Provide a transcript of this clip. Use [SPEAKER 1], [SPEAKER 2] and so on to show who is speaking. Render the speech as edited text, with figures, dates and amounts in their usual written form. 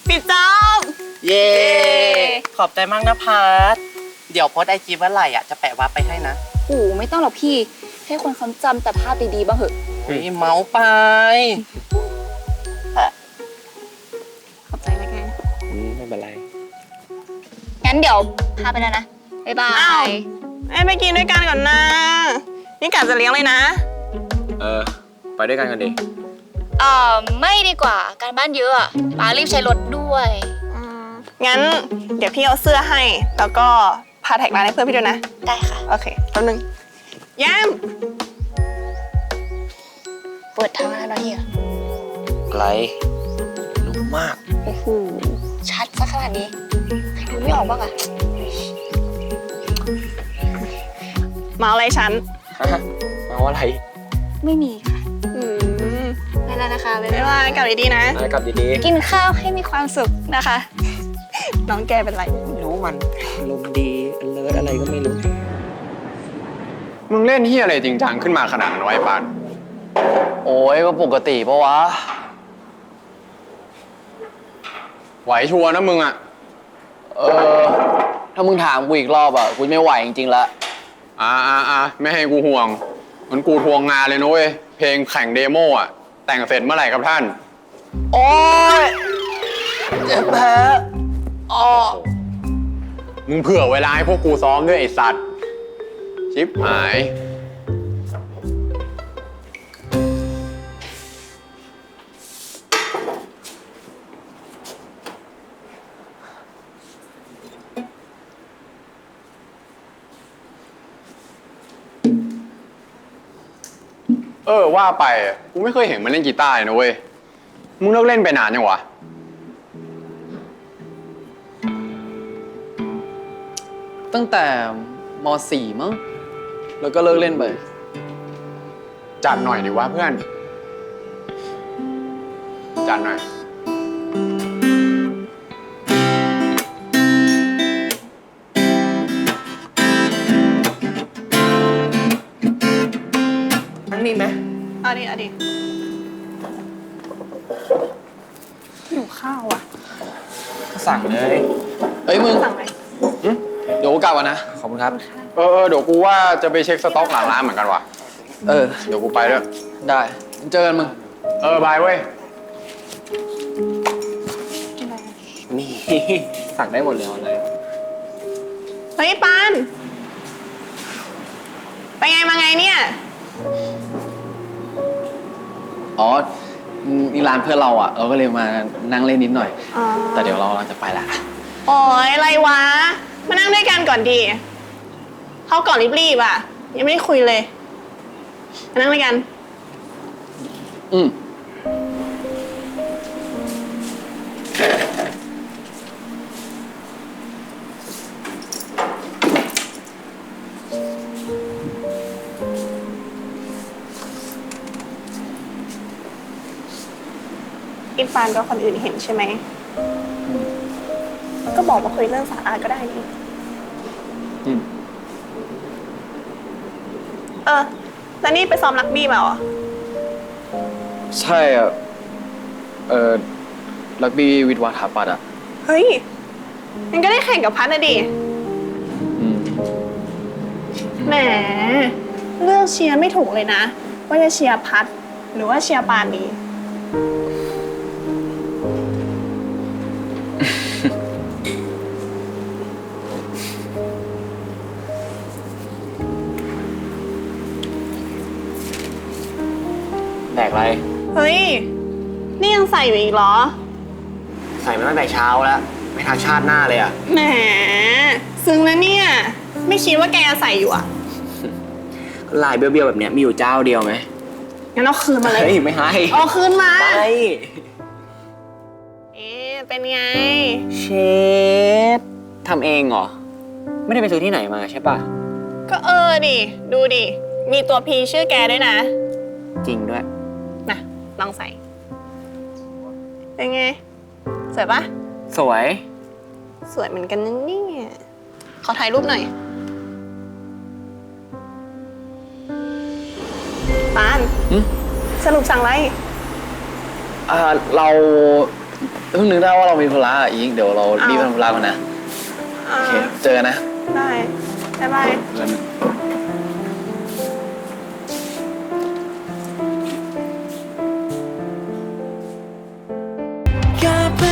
[SPEAKER 1] ปิดจอบ
[SPEAKER 2] เย้ขอบใจมากนะพัทเดี๋ยวโพสไอจีเมื่อไหร่อ่ะจะแปะวาร์ปไปให้นะ
[SPEAKER 3] โอ้ไม่ต้องหรอกพี่ให้คนเขาจำแต่ภาพดีๆบ้างเหอะ
[SPEAKER 2] เฮ้ยเมาไป
[SPEAKER 3] ขอบใจนะแก
[SPEAKER 2] ไม่เป็นไร
[SPEAKER 3] งั้นเดี๋ยวพาไปแล้วนะบ๊ายบา
[SPEAKER 1] อ้าวย ไปกินด้วยกันก่อนนะนี่กะจะเลี้ยงเลยนะ
[SPEAKER 4] ไปด้วยกันกันดิ
[SPEAKER 3] ไม่ดีกว่าการบ้านเยอะอะป้ารีบใช้รถด้วย
[SPEAKER 1] งั้นเดี๋ยวพี่เอาเสื้อให้ แล้วก็พาแท็กร้านให้เพื่อนพี่ด้วยนะ
[SPEAKER 3] ได้ค่ะ
[SPEAKER 1] โอเคแป๊บนึงแย้ม
[SPEAKER 3] เปิดทางแล้วนะเฮีย
[SPEAKER 4] อะไรรู้มาก
[SPEAKER 3] โอ้โหชัดซะขนาดนี้ใครดูไม่ออกบ้างอะ
[SPEAKER 1] มาอะไรฉัน
[SPEAKER 4] มาว่าอะไร
[SPEAKER 3] ไม่มีค่ะ
[SPEAKER 1] อืม
[SPEAKER 3] ไปแล้วนะคะบ๊าย
[SPEAKER 1] บ๊าย
[SPEAKER 3] บาย
[SPEAKER 1] บายกลับดีๆนะ
[SPEAKER 4] อะไรกลับดี
[SPEAKER 3] กินข้าวให้มีความสุขนะคะ
[SPEAKER 1] น้องแกเป็นไร
[SPEAKER 4] ๆไม่รู้มันอารมณ์ดีเลิศอะไรก็ไม่รู้
[SPEAKER 5] มึงเล่นเฮียอะไรจริงจังขึ้นมาขนาดนั้นไวะไอ้ปาน
[SPEAKER 4] โอ้ยก็ปกติปะวะ
[SPEAKER 5] ไหวชัวร์นะมึงอ่ะ
[SPEAKER 4] ถ้ามึงถามกูอีกรอบอ่ะกูไม่ไหวจริงๆละ
[SPEAKER 5] ไม่ให้กูห่วงมันกูทวงงานเลยนะเว้ย เพลงแข่งเดโมอ่ะ แต่งเสร็จเมื่อไหร่ครับท่าน
[SPEAKER 4] โอ้ยเจ็บแผลอ๋อ
[SPEAKER 5] มึงเผื่อเวลาให้พวกกูซ้อมด้วยไอ้สัตว์ ชิปหาย ว่าไปกูไม่เคยเห็นมันเล่นกีตาร์เลยนะเว้ย มึงเลิกเล่นไปนานยังวะ
[SPEAKER 4] ตั้งแต่ม .4 มั้งแล้วก็เลิกเล่นไป
[SPEAKER 5] จัดหน่อยดิวะเพื่อน จัดหน่อย
[SPEAKER 2] ทั้งนี้ไหม
[SPEAKER 1] เอาดิหิวข้าวอ่ะ
[SPEAKER 4] สั่งเลยเฮ้ยมึง
[SPEAKER 1] สั่งไหม
[SPEAKER 4] เดี๋ยวกูกลับก่อนนะ ขอบคุณครับ
[SPEAKER 5] เดี๋ยวกูว่าจะไปเช็คสต็อกหลังร้านเหมือนกันว่ะ เดี๋ยวกูไปด้วย
[SPEAKER 4] ได้เจอกันมึง
[SPEAKER 5] บายเว้ย
[SPEAKER 4] นี่ สั่งได้หมดเลยเลย
[SPEAKER 1] เฮ้ยปานไปไงมาไงเนี่ย
[SPEAKER 4] อ๋อนี่ร้านเพื่อนเราอ่ะ เราก็เลยมานั่งเล่นนิดหน่อย
[SPEAKER 1] อ๋อ
[SPEAKER 4] แต่เดี๋ยวเราจะไปละ
[SPEAKER 1] โอ้ยอะไรวะ มานั่งด้วยกันก่อนดีเขาก่อนรีบๆอ่ะ ยังไม่ได้คุยเลย มานั่งด้วยกัน
[SPEAKER 4] อืม
[SPEAKER 1] อินฟานก็คนอื่นเห็นใช่ไหม ก็บอกว่าคุยเรื่องสาระก็ได้นี่
[SPEAKER 4] อืม
[SPEAKER 1] แล้วนี่ไปซ้อมรักบี้มาเหรอ
[SPEAKER 4] ใช่อ่ะ รักบี้วิทย์วาถาปัตย์อ่ะ
[SPEAKER 1] เฮ้ยมันก็ได้แข่งกับพัทนะดิ
[SPEAKER 4] อืม
[SPEAKER 1] แหม เลือกเชียร์ไม่ถูกเลยนะ ว่าจะเชียร์พัทหรือว่าเชียร์ปานดี
[SPEAKER 4] แดกอะไร
[SPEAKER 1] เฮ้ย นี่ยังใส่อยู่อีกเหรอ
[SPEAKER 4] ใส่มาตั้งแต่เช้าแล้ว ไม่ทันชาติหน้าเลยอ่ะ
[SPEAKER 1] แหม ซึ้งนะเนี่ย ไม่คิดว่าแกจะใส่อยู่อ่ะ
[SPEAKER 4] ลายเบี้ยวๆแบบเนี้ยมีอยู่เจ้าเดียวไหม
[SPEAKER 1] งั้นเอาคืนมาเลย
[SPEAKER 4] เฮ้ย ไม่ให้
[SPEAKER 1] เอาคืนมา
[SPEAKER 4] ไป
[SPEAKER 1] เป็นไง
[SPEAKER 4] เชฟทำเองเหรอ ไม่ได้ไปซื้อที่ไหนมาใช่ปะ
[SPEAKER 1] ก็ดิ ดูดิ มีตัวพีชื่อแกด้วยนะ
[SPEAKER 4] จริงด้วย
[SPEAKER 1] นะลองใส่ เป็นไง สวยปะ
[SPEAKER 4] สวย
[SPEAKER 1] สวยเหมือนกันนะเนี่ยขอถ่ายรูปหน่อย ปาน
[SPEAKER 4] หึ
[SPEAKER 1] สรุปสั่งอะไร
[SPEAKER 4] เราเพิ่งนึกได้ว่าเรามีธุระอ่ะอิงเดี๋ยวเรารีบไปทำธุระก่อนนะ
[SPEAKER 1] อ่า
[SPEAKER 4] โอเคเจอกันนะ
[SPEAKER 1] ได้บ๊ายบาย
[SPEAKER 4] เจอกัน
[SPEAKER 6] แค่เพื่